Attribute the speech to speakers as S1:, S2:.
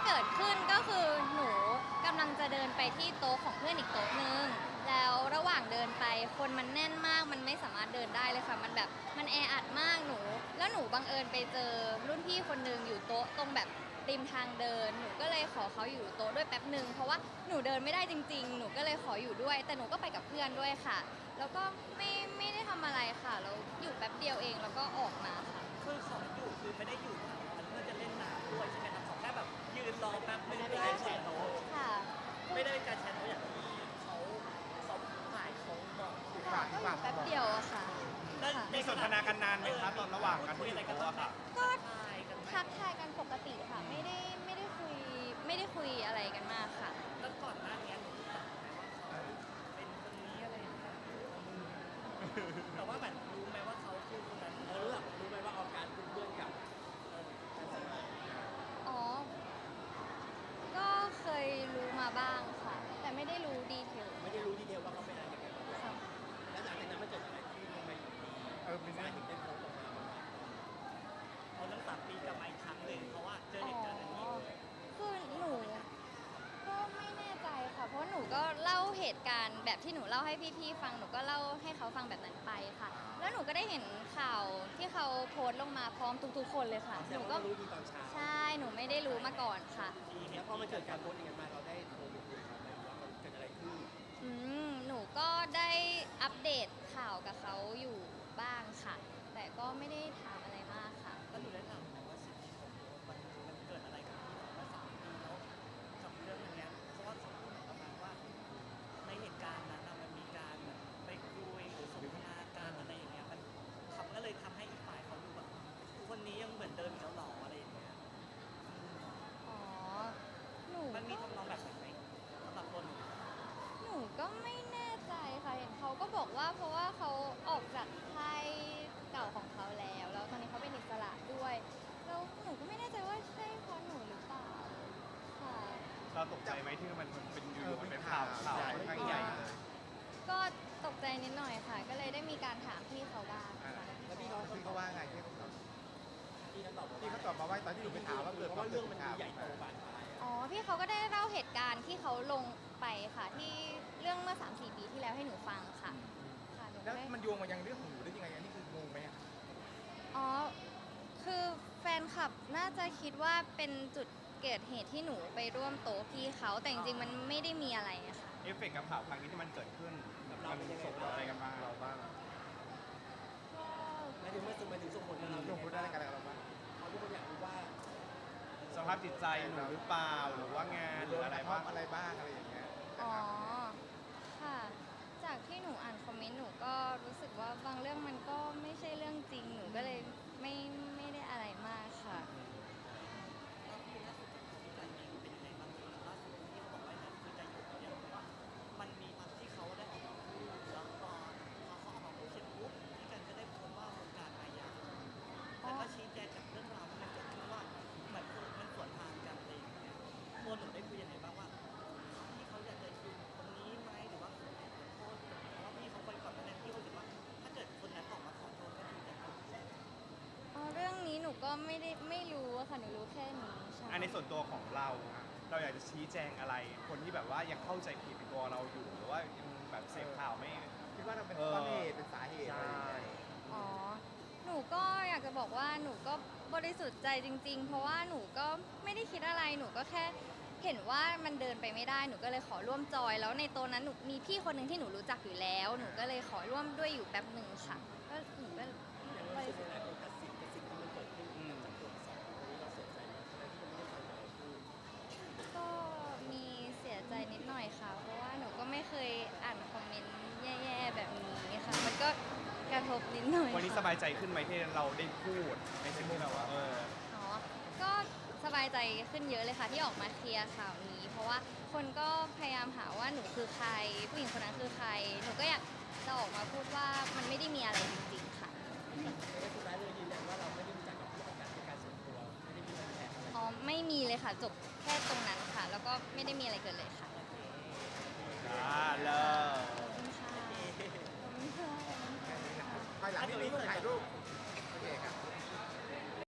S1: เกิดขึ้นก็คือหนูกำลังจะเดินไปที่โต๊ะของเพื่อนอีกโต๊ะนึงแล้วระหว่างเดินไปคนมันแน่นมากมันไม่สามารถเดินได้เลยค่ะมันแบบมันแออัดมากหนูแล้วหนูบังเอิญไปเจอรุ่นพี่คนนึงอยู่โต๊ะตรงแบบริมทางเดินหนูก็เลยขอเขาอยู่โต๊ะด้วยแป๊บนึงเพราะว่าหนูเดินไม่ได้จริงๆหนูก็เลยขออยู่ด้วยแต่หนูก็ไปกับเพื่อนด้วยค่ะแล้วก็ไม่ได้ทำอะไรค่ะแล้วอยู่แป๊บเดียวเองแล้วก็ออกมาค่ะ
S2: คือขออยู่คือไม่ได้อยู่มันเพื่อจะเล่นน้ำด้วยใช่ไหมครับขอแค่แบบยืนรอแป๊บไม่ได้เป็นการแชร์โต๊ะ
S1: ค่ะ
S2: ไม่ได้เป็นการแชร์โต๊ะอย่างที่เขาถ่ายเขาบอกคือ
S1: ค่ะก็อยู่แป๊บเดียวอะค่ะ
S2: แล้ว
S1: ค่ะ
S3: มีสนทนากันนานไหมครับตอนระหว่างการที่
S2: คุย
S3: อ
S2: อะไร
S3: ยู่
S2: กัน
S3: โต๊ะ
S2: บ้าง
S3: อะ
S2: ไหม
S3: ค่ะ
S1: ก็
S2: ถ่ายกันไหม
S1: ทักทายกันปกติค่ะไม่ได้คุยอะไรกันมากค่ะ
S2: แล้วก่อนหน้านี้หนูรู้จักไหมว่าเขาเป็นคนนี้อะไรอย่างเงี้ยแต่ว่าแบบรู้ไหมว่าเขาคือคนนั้นรู้ไหมว่าออกการเป็นเพื่อนกับ
S1: อ๋อ ก็เคยรู้มาบ้างค่ะ แต่ไม่ได้รู้ดีเทล
S2: ไม่ได้รู้ดีเทลว่าเขาเป็นอะไรกัน
S1: ค่ะ
S2: แล้วหลังจากนั้นมันเกิดอะไรขึ้นทำไมอยู่ดี
S3: มี
S2: สาเหตุได้โพสต์ออกมาเขาตั้ง3 ปีกลับมาอีกครั้งหนึ่งเพราะว่าเจอเหตุการณ์อันนี้
S1: คือหนูก็ไม่แน่ใจค่ะ เพราะหนูก็เล่าเหตุการณ์แบบที่หนูเล่าให้พี่ๆฟัง หนูก็เล่าให้เขาฟังแบบนั้นไปค่ะ แล้วหนูก็ได้เห็นข่าวที่เขาโพสต์ลงมาพร้อมทุกๆคนเลยค่ะ หนูก็
S2: รู้ดีตอนเช้า
S1: ใช่ หนูไม่ได้รู้มาก่อนค่ะ
S2: แล้วพอมันเกิดการโพสต์อย่างนั้นมาเราได้โทรไปคุยกับเขาไหมว่ามันเกิดอะไรขึ้น
S1: หนูก็ได้อัปเดตข่าวกับเขาอยู่บ้างค่ะ แต่ก็ไม่ได้ถามอะไรมากค่ะ
S2: แล้วหนูได้ถามไหมว่าสิ่งที่ผมโพสต์มันเกิดอะไรขึ้นเมื่อ3 ปีแล้วกับเรื่องอย่างเงี้ยเพราะว่าเขาพูดประมาณว่าในเหตุการณ์นั้นมันมีการไปคุยหรือสนทนาการอะไรอย่างเงี้ยมันก็เลยทำให้อีกฝ่ายเขาดูแบบคนนี้ยังเหมือนเดิมอีกแล้วหรออะไรอย่างเงี้ย
S1: อ๋อ หนู
S2: มันมี
S1: ก็
S2: ทำนองแบบไหนสำหรับตัวหนู
S1: หนูก็ไม่แน่ใจค่ะ เห็นเขาก็บอกว่าเพราะว่าเขาออกจากค่ายเก่าของเขาแล้ว แล้วตอนนี้เขาเป็นอิสระด้วย แล้วหนูก็ไม่แน่ใจว่าใช่เพราะหนูหรือเปล่า ค่ะ
S3: เราตกใจไหมที่มันเป็นอยู่ๆมันเป็นข่าวค่อนข้างใหญ่เลย
S1: ก็ตกใจนิดหน่อยค่ะ ก็เลยได้มีการถามพี่เขาบ้างค่ะ
S4: แล้วพี่เขาว่าไงที่เขาตอบ
S2: ที่เขาตอบ
S4: ที่เขาตอบมาว่าตอนที่หนูไปถามว่าเกิด
S2: เพราะว่าเรื่องมันใหญ่โตบานปลาย
S1: อ๋อ พี่เขาก็ได้เล่าเหตุการณ์ที่เขาลงไปค่ะ ที่เรื่องเมื่อ 3-4 ปีที่แล้วให้หนูฟังค่ะ ค่ะหนูก็
S4: แล้ว
S1: ได้
S4: มันโยงมายังเรื่องของหนูได้ยังไงอันนี้คืองงไหมอะ
S1: อ๋อ คือแฟนคลับน่าจะคิดว่าเป็นจุดเกิดเหตุที่หนูไปร่วมโต๊ะพี่เขา แต่จริงๆมันไม่ได้มีอะไรอะค่ะ
S3: เอฟเฟกต์กับข่าวครั้งนี้ที่มันเกิดขึ้นมันส่งผลอะไรกันบ้างเราบ้าง
S1: ก็
S2: หมายถึงเมื่อมาถึงส่งผลกับเรา
S4: ลงพูดได้อะไรกันเราบ้าง
S2: เขาทุกคนอยากรู้ว่า
S3: สภาพจิตใจหนูหรือเปล่าหรือว่างานหรืออะไรบ้าง
S4: อะไรบ้างอะไรอย่างเงี้ย
S1: อ๋อ ค่ะ จากที่หนูอ่านคอมเมนต์หนูก็รู้สึกว่าบางเรื่องมันก็ไม่ใช่เรื่องจริง หนูก็เลยไม่ได้อะไรมากค่ะ
S2: แล้วคือล่าสุดที่การยิงเป็นยังไงบ้างล่าสุดที่เขาบอกว่าเนี่ยคือจะหยุดเนี่ยเพราะว่ามันมีพักที่เขาได้ออกมาพูดแล้วพอเขาออกมาพูดเสร็จปุ๊บที่กันก็ได้พบว่าวงการอาญาแล้วก็ชี้แจงจากเรื่องราวที่มันเกิดขึ้นว่าเหมือนมันสวนทางกันอะไรอย่างเงี้ยตัวหนูได้คุยยังไงบ้างว่าที่เขาอยากจะอยู่ตรงนี้ไหมหรือว่าขอโทษเพราะว่าพี่เขาไปก่อนหน้านั้นพี่เขาคิดว่าถ้าเกิดคนนั้นออกมาขอโทษก็คือจะ
S1: อ๋อ เรื่องนี้หนูก็ไม่รู้อะค่ะ หนูรู้แค่นี้ใช่
S3: อันในส่วนตัวของเราอยากจะชี้แจงอะไร คนที่แบบว่ายังเข้าใจผิดในตัวเราอยู่หรือว่ายังแบบเสพข่าวไม่
S4: คิดว่าเราเป็นต้นเหตุเป็นสาเหตุอะไรอย่างเงี้ย
S1: อ๋อ หนูก็อยากจะบอกว่าหนูก็บริสุทธิ์ใจจริง ๆ เพราะว่าหนูก็ไม่ได้คิดอะไร หนูก็แค่เห็นว่ามันเดินไปไม่ได้ หนูก็เลยขอร่วมจอย แล้วในโต๊ะนั้นหนูมีพี่คนหนึ่งที่หนูรู้จักอยู่แล้ว หนูก็เลยขอร่วมด้วยอยู่แป๊บหนึ่งค่ะ ก็หนูก็
S2: อย่างรู้สึกยังไงกับสิ่งที่มันเกิดขึ้นจากตัวสองคนนี้เราเสียใจไหมทั้งที่ยังไม่ได้ฟังอะไรพูด
S1: ก็มีเสียใจนิดหน่อยค่ะ เพราะว่าหนูก็ไม่เคยอ่านคอมเมนต์แย่ๆแบบนี้ค่ะ มันก็กระทบนิดหน่อย
S3: วันนี้สบายใจขึ้นไหมที่เราได้พูดในสิ่งที่เราว่า
S1: อ๋อ ก็สบายใจขึ้นเยอะเลยค่ะที่ออกมาเคลียร์ข่าวนี้ เพราะว่าคนก็พยายามหาว่าหนูคือใคร ผู้หญิงคนนั้นคือใคร หนูก็อยากจะออกมาพูดว่ามันไม่ได้มีอะไรจริงๆค่ะ
S2: แต่สุดท้ายเลยยืนยันว่าเราไม่ได้รู้จักกับผู้ประกาศในการส่วนตัวไม่ได้มีการแทนอะไร
S1: อ๋อ ไม่มีเลยค่ะ จบแค่ตรงนั้นค่ะ แล้วก็ไม่ได้มีอะไรเกิดเลยค่ะ
S3: เลิก
S1: ขอบคุณค่ะขอบคุณค่ะขอบคุณค่ะ
S4: ภายหลังนี่มีถ่ายรูป